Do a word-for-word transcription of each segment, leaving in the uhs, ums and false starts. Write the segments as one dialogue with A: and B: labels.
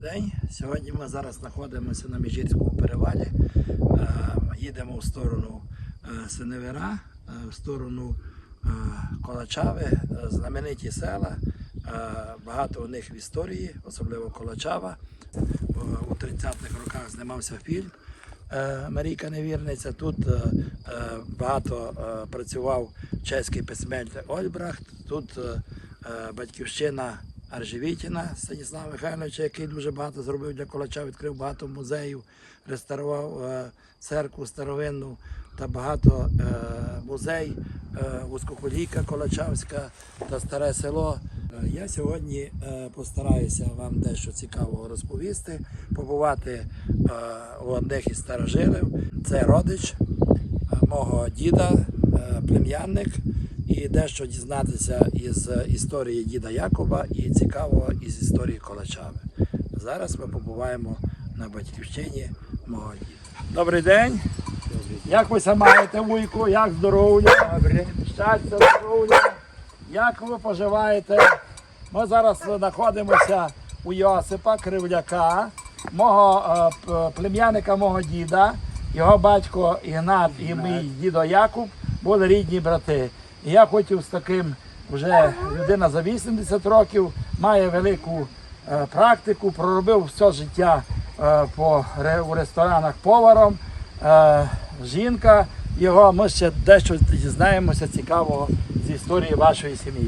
A: День. Сьогодні ми зараз знаходимося на Міжгірському перевалі. Їдемо в сторону Синевира, в сторону Колачави, знамениті села. Багато у них в історії, особливо Колачава. У тридцятих роках знімався фільм «Марійка Невірниця». Тут багато працював чеський письменник Ольбрахт. Тут батьківщина Аржевітіна Станіслава Михайловича, який дуже багато зробив для Колача, відкрив багато музеїв, реставрував е, церкву старовинну та багато е, музей, е, Вузькоколійка Колачавська та Старе село. Е, я сьогодні е, постараюся вам дещо цікавого розповісти, побувати е, у одних із старожилів. Це родич е, мого діда, е, плем'янник. І дещо дізнатися із історії діда Якуба і цікавого із історії Колачави. Зараз ми побуваємо на батьківщині мого діда. Добрий день! Як ви себе маєте, вуйку? Як здоров'я? Щастя, здоров'я! Як ви поживаєте? Ми зараз знаходимося у Йосипа Кривляка, мого плем'янника мого діда. Його батько Ігнат і мій дідо Якуб були рідні брати. І я хотів з таким, вже людина за вісімдесят років, має велику е, практику, проробив все життя е, по, ре, у ресторанах поваром. Е, жінка його, ми ще дещо дізнаємося цікавого з історії вашої сім'ї.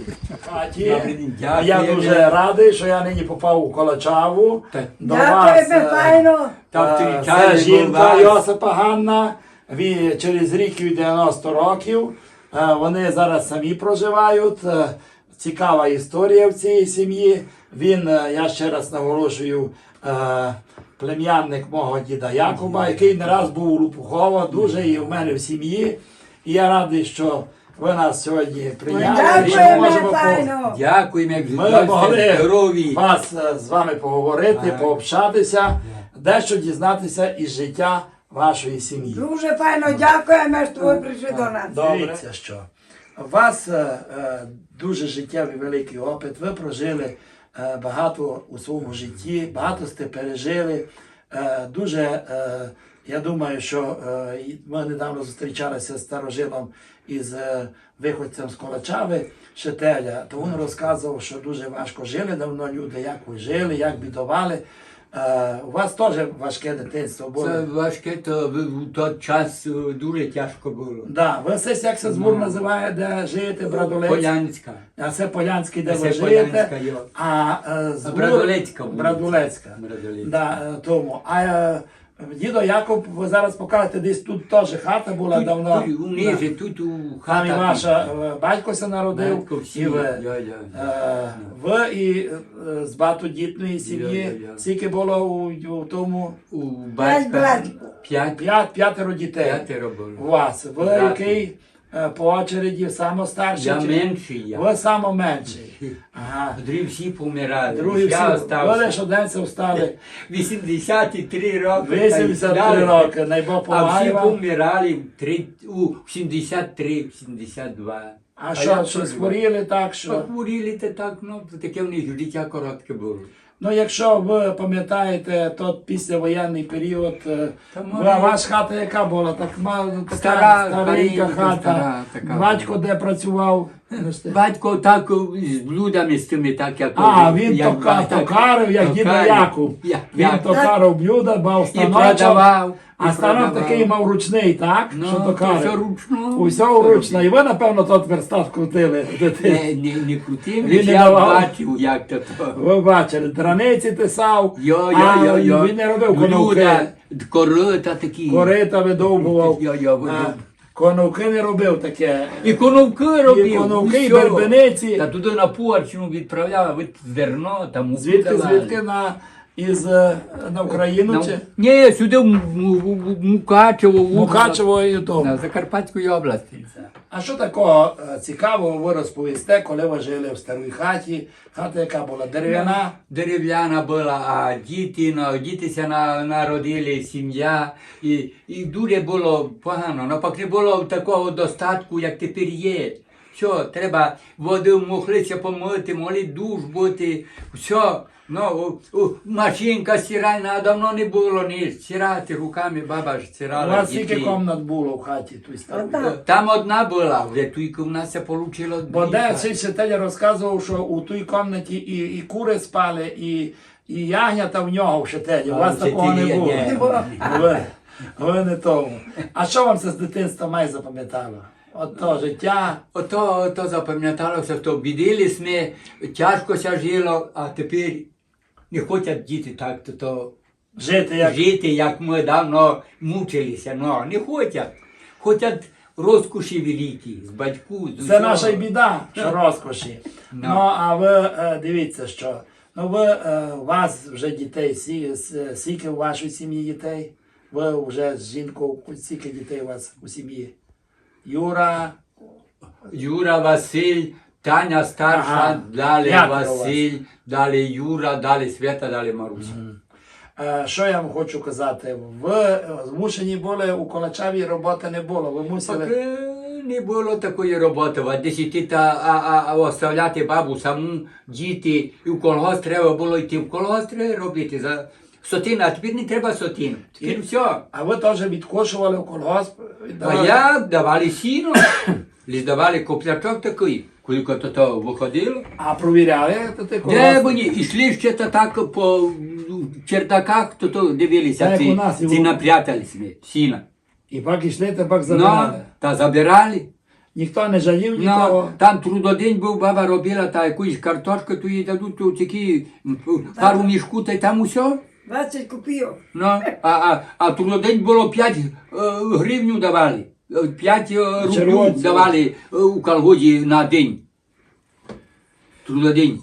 A: Я дуже радий, що я нині попав у Колачаву. До вас, е, е, це жінка Йосипа Ганна, він через рік і дев'яносто років. Вони зараз самі проживають. Цікава історія в цій сім'ї. Він, я ще раз наголошую, плем'янник мого діда Якуба, який не раз був у Лопухово, дуже і в мене в сім'ї. І я радий, що ви нас сьогодні прийняли. І ми можемо по...
B: Дякуємо,
A: ми могли вас з вами поговорити, пообщатися, дещо дізнатися із життя вашої сім'ї.
C: Дуже файно дякуємо, що ви прийшли до нас.
A: Дивіться, що у вас е, е, дуже життєвий великий опит, ви прожили е, багато у своєму житті, багато сте пережили. Е, дуже, е, я думаю, що е, ми недавно зустрічалися з старожилом із е, виходцем з Колачави, Шетеля, то він розказував, що дуже важко жили давно люди, як ви жили, як бідували. Uh, у вас теж важке дитинство було?
B: Це важке, то в той час дуже тяжко було.
A: Да. Ви все, як це збор називає, де живете, Брадолець?
B: Полянська.
A: А це Полянський, де
B: це
A: ви живете?
B: Полянська, йо.
A: А uh, збор...
B: Брадолецька.
A: Брадолецька.
B: Брадолецька.
A: Да, тому. А uh, дідо Якуб, ви зараз покажете, десь тут теж хата була
B: тут,
A: давно.
B: Тут, униже, да. Тут у хата.
A: Там і ваша uh, батько се народив.
B: Батько всі,
A: і ви.
B: Я, я,
A: Uh, ви і uh, з багатодітної сім'ї,
B: Я, я.
A: скільки було у, у тому?
B: У батька п'ять.
A: П'ять, п'ятеро дітей.
B: П'ятеро було.
A: У вас. Ви
B: Брати.
A: який е, по очереді самостарший?
B: Я
A: чи-
B: менший я.
A: Ви самоменший. Ага.
B: Другі всі помирали.
A: Другі всі,
B: я
A: ви
B: остався.
A: лише оденці встали.
B: вісімдесят три роки.
A: вісімдесят три роки, найбог
B: А всі
A: помагає вам.
B: помирали три, у сімдесят три сімдесят два.
A: А що, що хворіли так, що?
B: Похворіли то так, ну, таке в них життя коротке було.
A: Ну, якщо ви пам'ятаєте той післявоєнний період, е,
B: Та
A: ви-
B: може-
A: ваша хата яка була? Так, ма- така
B: Стара,
A: старенька
B: старенька,
A: хата.
B: стара така
A: Батько
B: була.
A: де працював?
B: Батько так з блудами з тими, так як...
A: А, він
B: як
A: тока,
B: батько.
A: токарив, як дідо
B: Токарив.
A: Якуб.
B: Я-
A: Він
B: я-
A: токарив блюда, мав
B: І
A: станочок.
B: продавав.
A: А
B: і
A: станок
B: продавав.
A: такий мав ручний, так?
B: Ну,
A: що
B: то
A: токарив.
B: все ручно.
A: Усе вручно. І ви, напевно, тот верстат крутили.
B: Не, не, не крутим,
A: Він не
B: я
A: давав.
B: бачив, як то то.
A: Ви бачили, драниці тисав,
B: Йо,
A: а
B: йо, йо, йо.
A: він не робив
B: Блюда,
A: коновки.
B: корита такі.
A: Корита видовбував.
B: Йо, йо,
A: А,
B: видовбував.
A: Коновки не робив таке.
B: І коновки робив.
A: І коновки, і
B: усьо.
A: бербениці.
B: Та туди на Порчину відправляв, від зерно, там муку
A: Звідки,
B: давали.
A: звідки на, із, е, на Україну
B: На-
A: чи?
B: Ні, сюди в, в, в, в Мукачево. в-
A: Мукачево і то.
B: На Закарпатської області.
A: А що такого е, цікавого ви розповісте, коли ви жили в старій хаті? Хата, яка була дерев'яна?
B: Дерев'яна була, а діти, ну, дітися на, народили, сім'я. І, і дуже було погано. Навпаки, не було такого достатку, як тепер є. Все, треба води мохлиця помити, молі душ бути, все. Ну, у- у- машинка стиральна, а давно не було ні. Стирати руками, баба ж
A: У
B: стирала.
A: вас
B: дітей.
A: скільки комнат було в хаті? Тут старій?
C: Одна.
B: Там одна була, вже тільки в нас це вийшло дві.
A: Бо де цей вчитель розказував, що у тій кімнаті і, і кури спали, і, і ягнята в нього в вчителі. У
B: А,
A: вас такого не
B: вчителі,
A: було.
B: ні.
C: Не було.
A: Ви, ви не тому. А що вам це з дитинства має запам'ятало? От то життя.
B: Ото, ото запам'яталося, що бідились ми, тяжко ся жило, а тепер не хочуть діти так то, то
A: Жити як
B: жити, як ми давно мучилися. Ну, не хочуть. Хочуть розкоші великі, з батьку, з
A: це
B: усього.
A: наша й біда, що розкоші.
B: Ну.
A: Ну а ви е, дивіться, що ну ви е, у вас вже дітей, сі- с- скільки у вашій сім'ї дітей? Ви вже з жінкою, скільки дітей у вас у сім'ї? Юра,
B: Юра, Василь, Таня старша,
A: Ага.
B: далі
A: Як у вас?
B: Василь, далі Юра, далі Свята, далі Маруся.
A: Е, Що я вам хочу казати? Ви е, змушені були у Колачаві роботи не було. Ви
B: Так,
A: мусили.
B: е, не було такої роботи, а десяти та а, а, а оставляти бабу саму, діти, і в колгосп треба було йти в колгосп треба робити за сотину, а тепер не треба сотину. Тепер все.
A: А ви теж відкошували в колгосп?
B: А
A: віддавали?
B: я давали сіно, лиш давали коплячок такий, коли то, то виходило.
A: А провіряли то ти
B: Де
A: колгосп?
B: вони йшли ще та так по чердаках, то, то дивилися,
A: Так,
B: ці,
A: у нас і
B: ці
A: у-
B: напрятались ми, сіна.
A: І пак йшли, та пак
B: Ну,
A: забирали.
B: та забирали.
A: Ніхто не жалів
B: Ну,
A: нікого.
B: там трудодень був, баба робила та якусь картошку, то їй дадуть то такі м, пару мішку, та й там усе.
C: двадцять копійок.
B: Ну, а, а, а трудодень було п'ять е, гривню давали, е, п'ять е, рублів
A: Червонців.
B: давали е, у колгоді на день. Трудодень.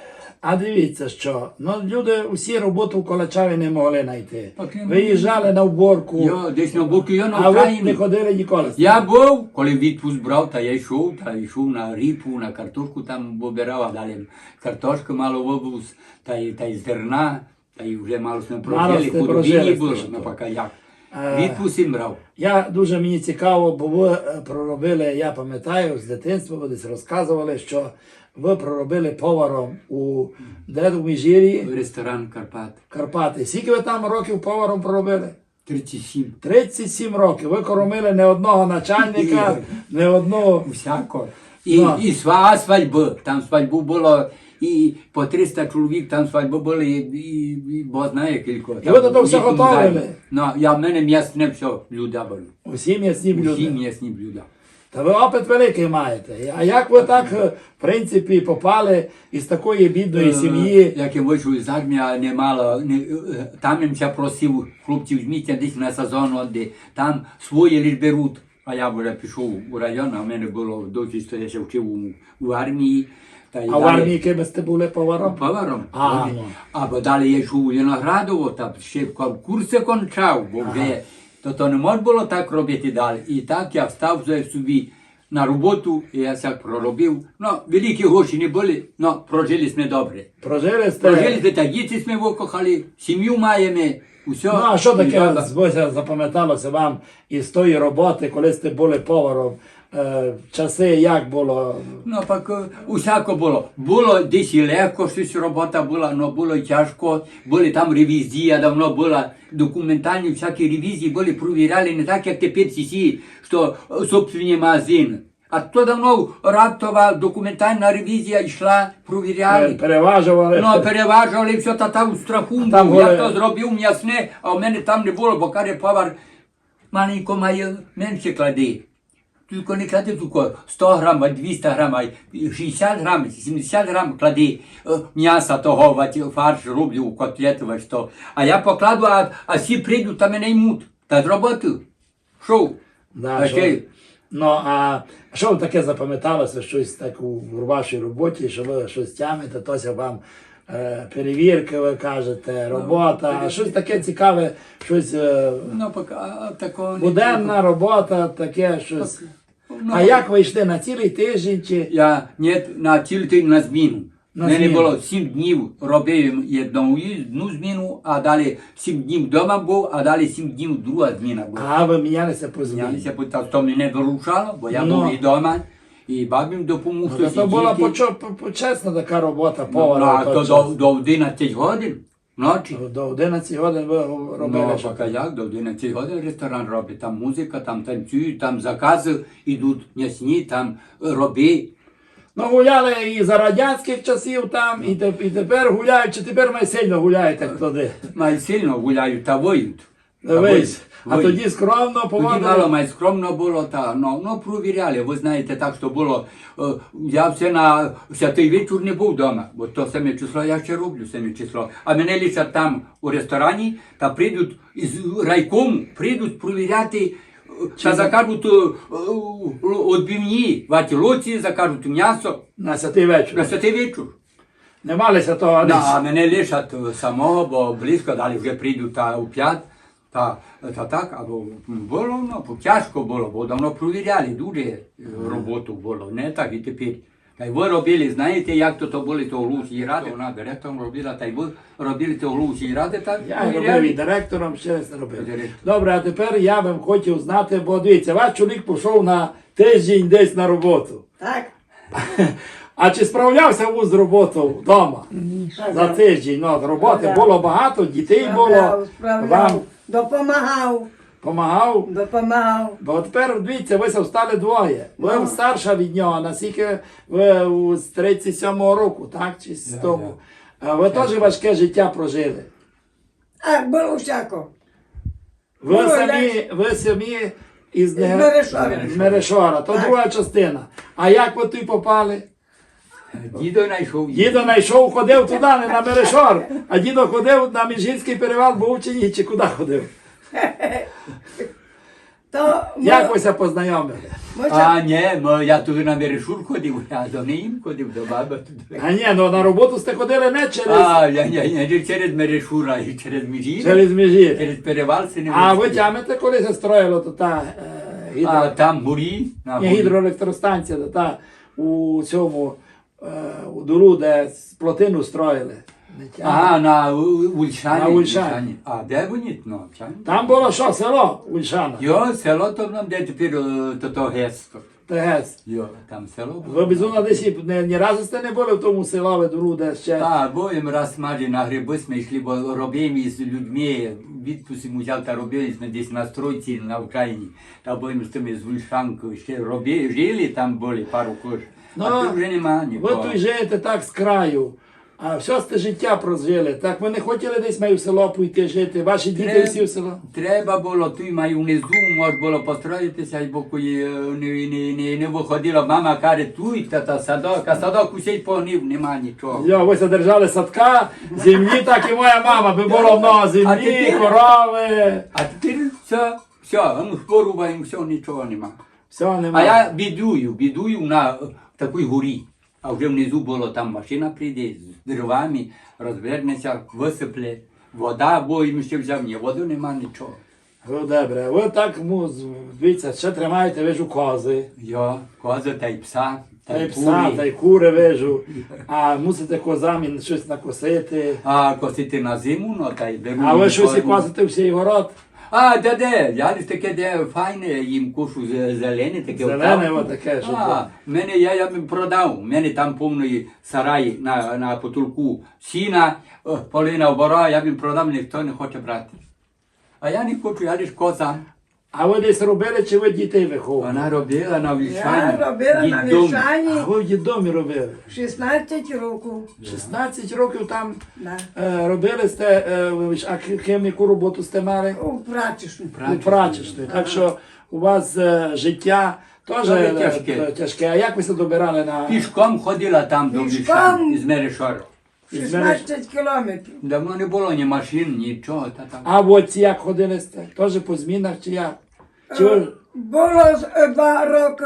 A: А дивіться, що ну, люди усі роботу в Колачаві не могли знайти.
B: Так не могли.
A: Виїжджали на вборку,
B: Я десь на боку, я на
A: а ви не
B: Україні.
A: ходили ніколи.
B: Я був, коли відпуск брав, та я йшов, та йшов на ріпу, на картошку там вибирав, а далі картошку мало вивоз, та й, та й зерна, та й вже мало сме
A: Мало
B: прожили,
A: сте
B: худобі
A: прожили,
B: не було,
A: що
B: ну
A: то.
B: поки як.
A: Е.
B: Відпуск їм брав.
A: Я дуже мені цікаво, бо ви е, проробили, я пам'ятаю, з дитинства ви десь розказували, що ви проробили поваром у де у Міжгір'ї,
B: Ресторан Карпат.
A: Карпати. Скільки ви там років поваром проробили?
B: тридцять сім.
A: тридцять сім років. Ви кормили не одного начальника, не одного.
B: Всяко. І,
A: Ну.
B: і сва свадьби. Там свадьбу було і по триста чоловік, там свадьби були, і, і, і бо знає кілько.
A: І ви до того все готовили?
B: Ну, я в мене м'ясне все, блюда були.
A: Усі м'ясні
B: Усі
A: люди.
B: м'ясні блюда.
A: Та ви опит великий маєте. А як ви так, е, в принципі, попали із такої бідної сім'ї?
B: Як я вийшов із армії, а не мало, не, е, там їм ся просив хлопців, візьміть десь на сезон, де там свої лиш беруть. А я вже пішов у район, а в мене було досі, що я ще вчив у, у армії. Та й
A: А в
B: далі-
A: армії ким сте були поваром?
B: Поваром.
A: Ага,
B: От,
A: ну.
B: Або далі я йшов у Виноградово, там ще курси кончав, бо вже то, то не можна було так робити далі. І так я встав вже собі на роботу, і я так проробив. Ну, великі гроші не були, але прожили ми добре.
A: Прожили сте?
B: Прожили ми, та діти ми викохали, сім'ю маємо, усе.
A: Ну, а що
B: І
A: таке
B: баба-
A: збося запам'яталося вам із тої роботи, коли сте були поваром? Е, часи як було?
B: Ну, пак е, усяко було. Було десь і легко, щось робота була, але було й тяжко. Були там ревізії, а давно була документальні, всякі ревізії були, провіряли не так, як тепер ці, що е, собственні магазини. А то давно раптова документальна ревізія йшла, провіряли.
A: Переважували?
B: Ну, переважували все, та там в страху
A: А там
B: був. Я
A: були-
B: то зробив м'ясне, а в мене там не було, бо каже повар, маленько має менше клади. Тільки не клади тільки сто грам, а двісті грам, а шістдесят грам, сімдесят грам клади е, м'яса того, вать, фарш роблю, котлету, вать, то. А я покладу, а, а всі прийдуть та мене ймуть. Та з роботи. Шоу.
A: Да,
B: А
A: що-
B: ще-
A: Ну, а що вам таке запам'яталося, щось так у, в вашій роботі, що ви щось тямите, тося вам е, перевірки, ви кажете, робота, а щось таке цікаве, щось е,
B: Ну, поки, а, такого не
A: буденна робота, таке щось.
B: Ну,
A: А як ви йшли на цілий тиждень чи?
B: Я не на цілий тиждень на зміну.
A: На
B: У мене
A: зміну.
B: було сім днів робив одну, одну зміну, а далі сім днів вдома був, а далі сім днів друга зміна була.
A: А ви мінялися по зміні?
B: Знялися, бо так то мене вирушало, бо я
A: Ну.
B: був і вдома, І бабі допомог
A: Ну, то була
B: сидіти.
A: почо- по- почесна така робота
B: Ну,
A: повара.
B: а
A: в
B: то
A: той
B: до,
A: час.
B: до одинадцяти годин ночі.
A: До одинадцяти годин ви робили.
B: Ну,
A: що?
B: поки як, до одинадцяти годин ресторан робить. Там музика, там танцюють, там закази йдуть м'ясні, там роби.
A: Ну, гуляли і за радянських часів там, і, те- і тепер гуляють, чи тепер ми сильно гуляєте туди.
B: Май сильно гуляють та воють. Та
A: Дивись. А
B: воють.
A: тоді скромно
B: Тоді мало
A: поводили.
B: май скромно було, та ну, ну провіряли. Ви знаєте, так що було. е, Я все на святий вечір не був вдома, бо то саме число я ще роблю, саме число. А мене лишать там у ресторані, та прийдуть із райкому, прийдуть провіряти. е, Та закажуть відбивні, ваті лоці, закажуть м'ясо
A: На святий вечір.
B: на святий вечір.
A: Не малися того
B: Да,
A: десь.
B: а мене лишать самого, бо близько, далі вже прийдуть та у п'ять. Та, та так, або було, ну, тяжко було, бо давно провіряли, дуже е, роботу було, не так і тепер. Та й ви робили, знаєте, як то, то були то Лусі ради, вона директором робила, та й ви робили то Лусі ради, так
A: Я робив і
B: провіряли.
A: директором, ще раз не робив.
B: Директор.
A: Добре, а тепер я би хотів знати, бо дивіться, ваш чоловік пішов на тиждень десь на роботу.
C: Так?
A: А чи справлявся ви з роботою вдома? За тиждень, ну, роботи
C: Справляв.
A: було багато, дітей було,
C: Справляв, справляв.
A: вам
C: Допомагав,
A: допомагав.
C: допомагав.
A: Бо тепер, дивіться, ви стали двоє. Ви старша від нього, наскільки ви у- з тридцять сьомого року, так? Чи з
B: Да,
A: тому? А ви теж важке життя прожили.
C: А, було всяко.
A: Ви
C: Ну,
A: самі, ви самі із
C: З Мерешора.
A: з Мерешора, то
C: Так.
A: друга частина. А як ви туди попали?
B: Дідо знайшов.
A: Дідо знайшов, ходив туди, не на Мерешор, а дідо ходив на Міжгірський перевал, був чи ні, чи куди ходив?
C: То
A: Як ви ся познайомили?
C: ми,
B: А, ні, мо, я туди на Мерешур ходив, я до ним ходив, до баби туди.
A: А ні, ну на роботу сте ходили не через,
B: А, я, я, я, не через Мерешура, і через Міжір,
A: через Міжгір.
B: через перевал се не
A: А ви
B: вийшли.
A: тямите, коли се строїло то та е, гідро...
B: А там горі, на
A: Ні,
B: горі.
A: гідроелектростанція, то та у цьому е, у дуру, де плотину строїли. Не тямите?
B: Ага, на У- Ульшані.
A: На Ульшані.
B: А де вони? Ну, чам?
A: Там було що, село Ульшана?
B: Йо, село то нам де тепер е, то то гесто.
A: Тегес.
B: Йо, там село
A: Ви
B: було.
A: безумно десь і не, ні разу сте не були в тому селові дуру, де ще.
B: Так, бо їм раз мали на гриби ми йшли, бо робимо із людьми, відпустимо взяв та робили ми десь на стройці на Україні. Та бо їм з тими з Ульшанкою ще робили, жили там були пару кош. А тут вже нема
A: Ви
B: нікого.
A: тут живете так з краю, а все сте життя прожили. Так ви не хотіли десь маю в село пойти жити, ваші діти
B: Треба-
A: всі в село?
B: Треба було, тут маю внизу, може було построїтися, бо коли е, не, не, не, не виходила, мама каже, тут та, та садок, а садок усій погнив, нема нічого.
A: Йо, ви содержали садка, землі, так і моя мама, би було много
B: А
A: землі,
B: тепер-
A: корови.
B: А тепер все, все, ну порубаємо, все, нічого нема.
A: Все,
B: А
A: немає.
B: я бідую, бідую на е, такій горі. А вже внизу було, там машина прийде з деревами, розвернеться, висипле. Вода, бо їм ще взяв, ні, води нема нічого.
A: Ну, добре, ви так, ну, з- дивіться, ще тримаєте, вижу, кози,
B: Йо, кози та й пса,
A: та й пса, та й кури вижу, а мусите козам щось накосити.
B: А косити на зиму, ну та й беру.
A: А ви
B: їм
A: щось і
B: кожну.
A: косите всій город?
B: А, де де? Я лиш таке, де файне, їм кушу зе- зелене, таке.
A: Зелене
B: отам.
A: отаке, що
B: А,
A: то.
B: мене я, я б продав. У мене там повний сарай на, на потолку сіна, о, полина обора, я б продав, ніхто не хоче брати. А я не хочу, я лиш козам.
A: А ви десь робили, чи ви дітей виховували?
B: Вона робила на
C: Я
B: вільшані.
C: робила на
B: дідом.
A: А
C: Вільшані
A: ви в дідомі робили?
C: шістнадцять років.
A: шістнадцять років там
C: Да.
A: е, робили сте, е, ви ж- а ким яку роботу сте мали?
C: У прачечну.
A: У прачечної. Так що у вас е, життя теж
B: Дуже
A: е,
B: тяжке.
A: е, тяжке. А як ви се добирали на...
B: Пішком ходила там до
C: Пішком?
B: вільшані, із Мерешора.
C: шістнадцять кілометрів.
B: Давно не було ні машин, нічого. Та там.
A: А от ці як ходили сте? Теж по змінах чи як? Чи ви...
C: Було з- два роки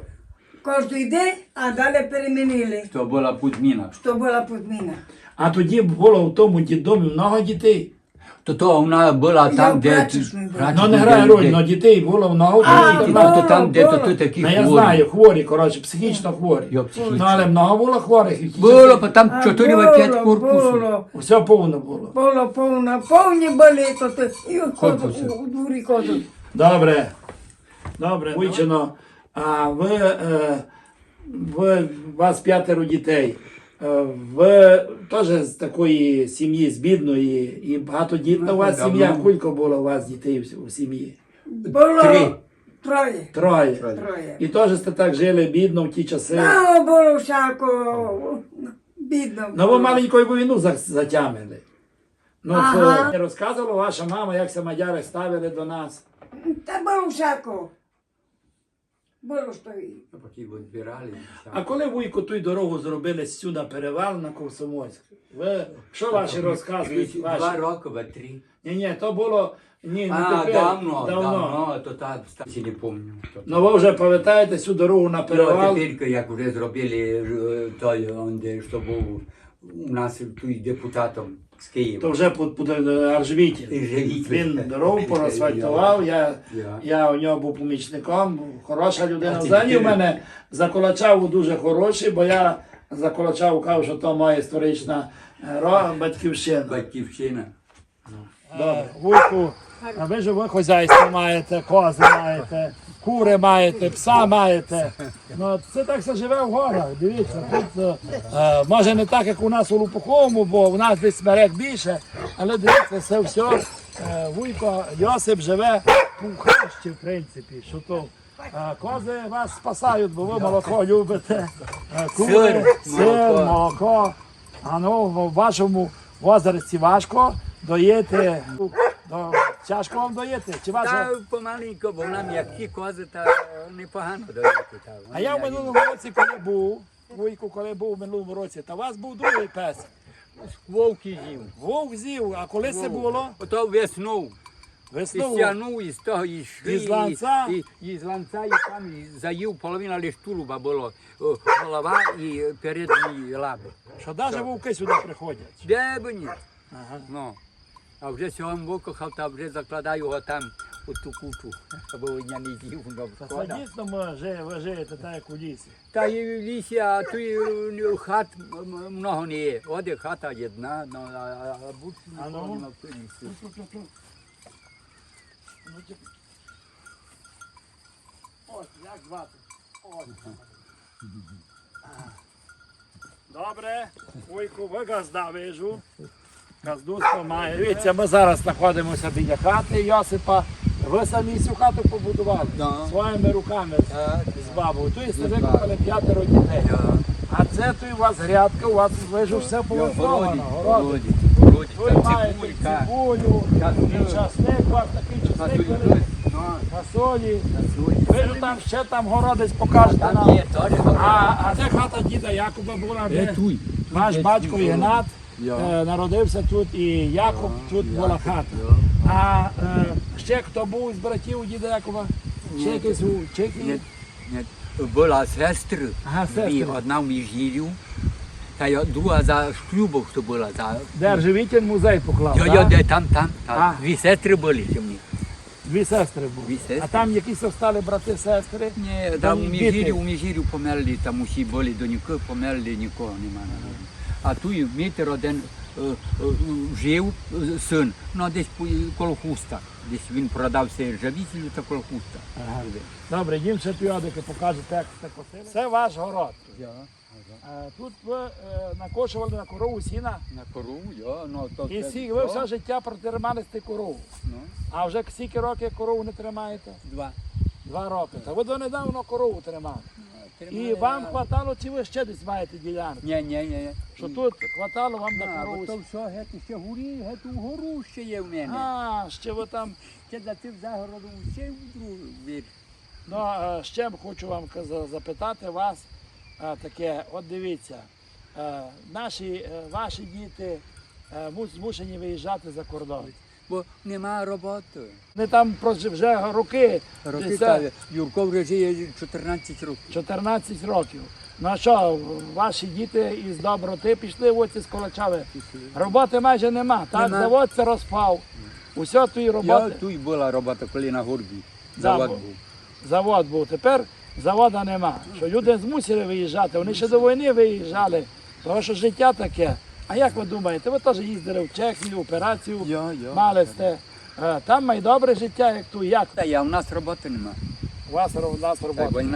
C: кожен день, а далі перемінили.
B: То була подміна.
C: Що була подміна.
A: А тоді було в тому дідомі много дітей.
B: То то вона була
C: Я
B: там,
C: в
B: де...
C: прачечній була.
A: Ну не грає роль, але дітей було много.
C: А,
A: дітей.
C: було.
B: то там, де то,
C: було.
B: то такі
A: Ну, я
B: хворі.
A: знаю, хворі, коротше, психічно хворі.
B: Йо, психічно.
A: Ну, але много було хворих. і ті
B: Було,
A: часи
B: бо там
C: А
B: чотири
C: було,
B: п'ять корпусів.
C: Було,
A: Все повно було.
C: було повно, повні були, то ти і ходу,
B: Корпуси.
C: у, у дворі ходу.
A: Добре. Добре. Вичено, а ви е, ви, у вас п'ятеро дітей. Е, Ви теж з такої сім'ї, з бідної, і багатодітна у вас
B: Давно.
A: сім'я. Скільки було у вас дітей в- у сім'ї?
C: Було
B: Три.
C: троє.
A: Троє.
C: Троє.
A: І теж сте так жили бідно в ті часи.
C: Ну, було всяко бідно.
A: Ну, ви
C: було.
A: маленьку війну за- затямили. Ну,
C: Ага.
A: це розказувала ваша мама, як се мадяри ставили до нас.
C: Та було всяко. Було що і.
B: Поки його збирали.
A: А коли вуйку ту дорогу зробили сюди, перевал на Комсомольськ, ви, що ваші розказують?
B: Два
A: Ваші?
B: роки, ба три.
A: Ні, ні, то було, ні, не
B: А,
A: тепер,
B: давно,
A: давно.
B: давно, то так, ще не пам'ятаю.
A: Ну ви вже пам'ятаєте цю дорогу на
B: Ну,
A: перевал?
B: тепер, як вже зробили е, той, онде, що був у нас тут депутатом з
A: То
B: Києва.
A: вже під, під Аржвітін.
B: І Живітін.
A: Він дорогу порасфальтував, я,
B: Я.
A: я у нього був помічником, хороша людина.
B: А ти
A: Взагалі у
B: тепер-
A: мене Заколачав дуже хороший, бо я Заколачав кажу, що то моя історична е, ро- батьківщина.
B: Батьківщина.
A: Добре. Вуйку, а ви ж ви хазяйство маєте, кози маєте, кури маєте, пса маєте. Ну, це так все живе в горах. Дивіться, тут е, е, може не так, як у нас у Лупуховому, бо у нас десь смерек більше, але дивіться, це все. Е, Вуйко Йосип живе у хрещі, в принципі. Що то, е, кози вас спасають, бо ви молоко любите. Е, Кури,
B: Сир,
A: сир,
B: молоко.
A: молоко. А ну, в вашому возрасті важко доїти. До, тяжко вам доїти? Чи
B: Та
A: ваша...
B: помаленько, бо нам як ті кози, та непогано дають.
A: А я в минулому році, коли був, Вуйку, коли був в минулому році, та у вас був другий пес.
B: Вовки з'їв.
A: Вовк з'їв, а коли це було?
B: Ото веснув. І
A: Весною.
B: стягнув, і з того, і шли,
A: Із ланца?
B: і, і, і з ланца, і там і заїв половина лиш тулуба було. О, голова і передні лаби.
A: Що навіть вовки сюди приходять.
B: Де б ні?
A: Ага.
B: Ну. А вже сьогодні викохав, та вже закладаю його там у ту кучу, аби я не з'їв. ну,
A: Та
B: шкода.
A: це дійсно ми жи- ви живете так, як у лісі.
B: Та і в лісі, а тут і хат м- много не є. Оде хата одна, ну, а, а, а більше
A: А ну?
B: нікого нема в лісі.
A: Ну, ті- Ось, як звати? Ось. Добре, Вуйку, ви газда вижу. Газдуство має. Дивіться, ми зараз знаходимося біля хати Йосипа. Ви самі цю хату побудували
B: Да.
A: своїми руками
B: Так,
A: з бабою. Тут сте
B: З
A: викопали п'ятеро дітей.
B: я.
A: А це тут у вас грядка, у вас вижу все повифовано. Городи.
B: городі,
A: Ви маєте
B: цибулька.
A: цибулю,
B: Часник.
A: часник, у вас такий часник великий, фасолі. Ви ж там ще там городець покажете
B: Там
A: нам.
B: є теж
A: А, а де хата діда Якуба була? Де?
B: туй.
A: Ваш батько Ігнат
B: Я.
A: е, народився тут, і Якуб тут була хата. А е, ще хто був з братів у діда Якуба? Ще якийсь у Чехії?
B: Ні, ні. Була сестра,
A: Ага,
B: дві,
A: сестри.
B: одна в Міжгір'ю, та й друга за шлюбом, що була. За...
A: Де Живітін музей поклав,
B: Йо,
A: так?
B: йо, де там, там,
A: А.
B: там. Дві сестри були ще в них.
A: Дві сестри були.
B: Дві сестри.
A: А там якісь стали брати-сестри?
B: Ні,
A: Там
B: там у
A: діти.
B: Міжгір'ю, у Міжгір'ю померли, там усі були до нікого, померли, нікого нема. А тут і мітер один е, е, жив, е, син, ну десь по- коло хуста. Десь він продався ржавітелю та коло хуста.
A: Ага. Добре, їм ще піодики покажете, як це косили. Це ваш город.
B: Я.
A: Е, Тут ви е, накошували на корову сіна.
B: На корову, я, ну то
A: І
B: це-
A: сі, ви
B: то,
A: все життя протримали з корову.
B: ну,
A: А вже скільки років корову не тримаєте?
B: два.
A: Два роки. Та ви донедавно корову тримали. І
B: Тримали,
A: вам
B: а-
A: хватало, чи ви ще десь маєте ділянку?
B: Ні, ні, ні.
A: Що тут хватало вам на
B: А,
A: корову?
B: бо то все, геть ще горі, геть угору ще є в мене.
A: А, ще ви там.
B: Ще за тим загородом ще в другу вір.
A: Ну, е, ще б хочу вам каза- запитати вас е, таке, от дивіться, е, наші, е, ваші діти е, мус- змушені виїжджати за кордон.
B: Бо нема роботи.
A: Вони там прожи- вже роки,
B: Роки
A: це
B: ставлять. Юрко вже жиє чотирнадцять років.
A: чотирнадцять років. Ну а що, ваші діти із доброти пішли в оці з Колочави? Роботи майже нема. Так,
B: Нема.
A: завод це розпав. Усе тої
B: Я
A: роботи.
B: тут була робота, коли на горбі.
A: Да,
B: Завод
A: бо-
B: був.
A: Завод був. Тепер завода нема. Що люди змусили виїжджати. Вони ще до війни виїжджали, тому що життя таке. А як ви думаєте, ви теж їздили в Чехію, операцію
B: Я, я.
A: мали сте. Е, Там має добре життя, як тут. Як
B: Та я, у нас роботи нема.
A: у вас у нас
B: Та
A: робота?
B: війна.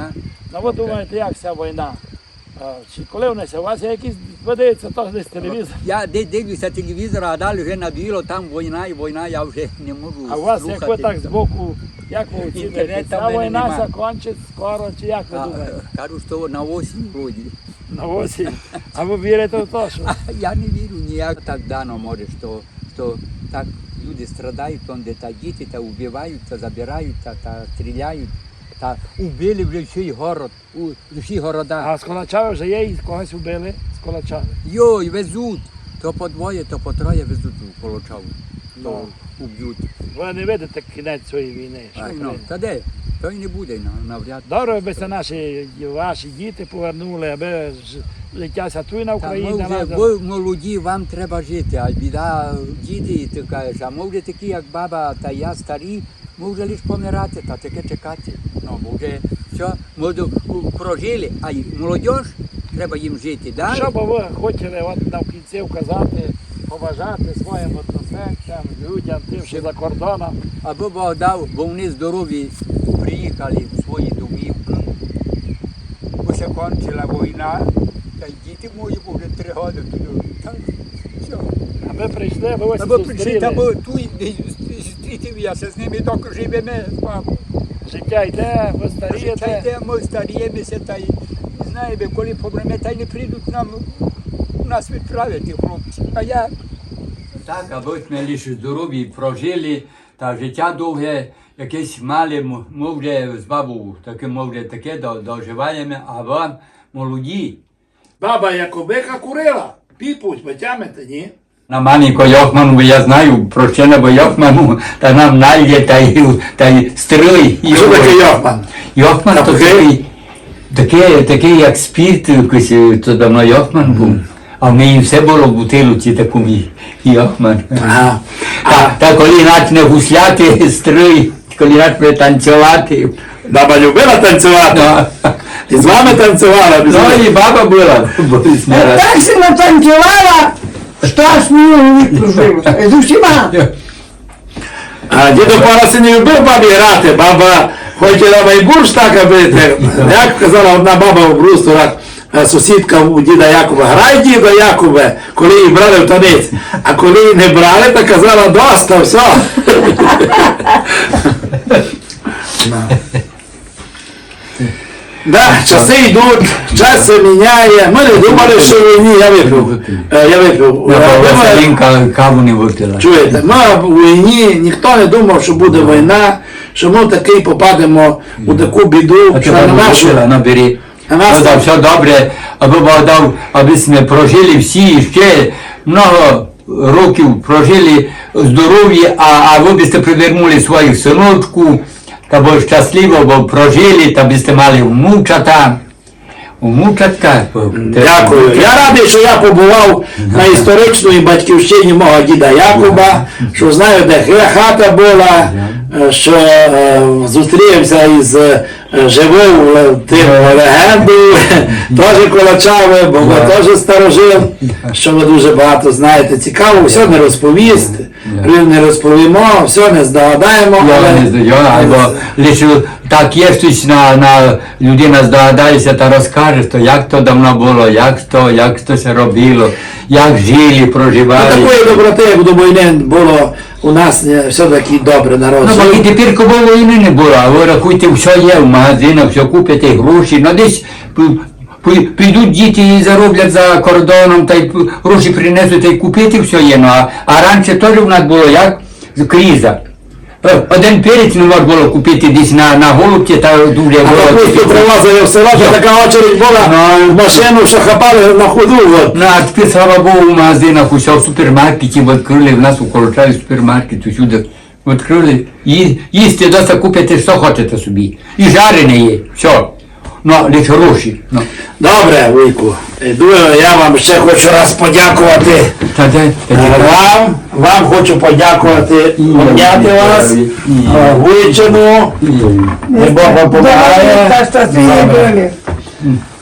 A: Ну ви думаєте, як ця війна? А, Чи коли внесе? У вас є якісь, ви дивіться, теж десь телевізор.
B: Я де- дивлюся телевізор, а далі вже надоїло, там війна і війна, я вже не можу
A: А у вас, як ви
B: слухати.
A: так збоку, як ви оцінюєте?
B: Інтернету в
A: Ця
B: мене
A: війна
B: нема.
A: закінчить скоро, чи як ви
B: А,
A: думаєте?
B: кажуть, що на осінь вроді.
A: На осінь. А ви вірите в те, що?
B: Я не вірю ніяк так дано може, що, що так люди страдають, там, де та діти та вбивають, та забирають, та, та стріляють, та вбили вже всій город, у всі города.
A: А з Колачави вже є і когось вбили з Колачави.
B: Йой, везуть, то по двоє, то по троє везуть у Колочаву, то
A: Ну.
B: уб'ють.
A: Ви не видите кінець цієї війни. що
B: Ай, ну,
A: Україна.
B: та де? То й не буде на- навряд.
A: Добре, аби це наші ваші діти повернули, аби ж- життя тут на
B: Та
A: Україні.
B: ми вже,
A: треба-
B: ви молоді, вам треба жити, а біда діти, ти кажеш, а ми вже такі, як баба та я старі, ми вже лише помирати, та таке чекати. Ну, бо вже все, ми до- прожили, а й молодь, треба їм жити. Далі.
A: Що би ви хотіли от на кінці вказати, побажати своїм односельцям, людям, тим, що за кордоном?
B: Аби Бог дав, бо вони здорові приїхали в свої домівки. Бо се кончила війна, та й діти мої були три роки туди. Так, все.
A: Аби прийшли, аби ось
B: Аби прийшли,
A: зустріли.
B: аби тут зустрітися з ними, доки живемо з мамою.
A: Життя йде, ви
B: Та
A: старієте.
B: йде, ми старіємося, та й знаєте, коли проблеми, та й не прийдуть нам, нас відправити, хлопці. А я? Так, аби ми лише здорові прожили, та життя довге, якесь мали, ми вже з бабою, таке, ми вже таке до- доживаємо, а вам молоді.
A: Баба Якубика курила. Піпуть, ви тямите, ні?
B: На маленько Йохману, бо я знаю, прощена бо Йохману, та нам нальє, та й, та й стрий.
A: Що таке Йохман?
B: Йохман то такий, такий, такий як спірт, якийсь, то давно Йохман був. А в неї все було в бутилці такому Йохман.
A: Ага.
B: Та, та коли почне гусляти, стрий, коли почне танцювати.
A: Баба любила танцювати.
B: Ну,
A: І з вами танцювала. без
B: ну
A: мене.
B: і баба була.
C: Так си натанцювала, що аж мені відпружилося. З усіма.
A: А дідо Параси не любив бабі грати. Баба хотіла майбурш так бити. Як казала одна баба в брустурах, е, сусідка у діда Якуба, грай, дідо Якубе, коли її брали в танець. А коли її не брали, то казала, доста, все. Да, часи йдуть, час се міняє. Ми не думали, що в війні, я випив. Е, Я випив. Е, думаю,
B: Василінка каву не випила.
A: Чуєте, ми в війні, ніхто не думав, що буде війна, що ми таки попадемо у таку біду,
B: А
A: що
B: тебе
A: на нашу.
B: випила, набери.
A: На нас
B: Ну,
A: там-
B: так, все добре, аби Бог дав, аби ми прожили всі ще много років, прожили здорові, а, а ви бiste привернули своїх синочку, та бо щасливо, бо прожили, та бiste мали внучата. Внучатка.
A: Дякую. Я радий, що я побував на історичній батьківщині мого діда Якуба, що знаю, де хата була, е, що е, зустрівся із е, живою е, тим легендою, теж Колачави, бо ви теж старожив, що ви дуже багато знаєте. Цікаво, все не розповісти, не розповімо, все не здогадаємо.
B: Я
A: але-
B: не знаю, або лише так є щось на, на людина здогадається та розкаже, то як то давно було, як то, як то се робило, як жили,
A: Ну,
B: проживали.
A: такої доброти, як до війни було у нас е, все-таки добре народ.
B: Ну, бо і тепер кого війни не було, а ви рахуйте, все є в магазинах, все купите гроші, ну десь пи- пи- підуть діти і зароблять за кордоном, та й п- гроші принесуть, та й купити все є. Ну, а, а раніше теж в нас було як криза. Е, Один перець не можна було купити десь на, на голубці, та дуже
A: А
B: було.
A: капусту привозили в село, то така очередь була
B: Ну,
A: в машину, що хапали на ходу. От.
B: Ну, а тепер, слава Богу, в магазинах, усе в супермаркеті відкрили, в нас у Колочаві супермаркет, усюди відкрили. Ї- Їсти доста купите, що хочете собі. І жарене є, все. Ну, лише гроші. Ну.
A: Добре, Вуйку, іду, я вам ще хочу раз подякувати.
B: Та де, та
A: Е,
B: де.
A: Вам, вам хочу подякувати, обняти вас, е, Вуйчину,
B: Ні.
A: не Бог вам
C: Добре,
A: помагає.
C: та щасливі долі.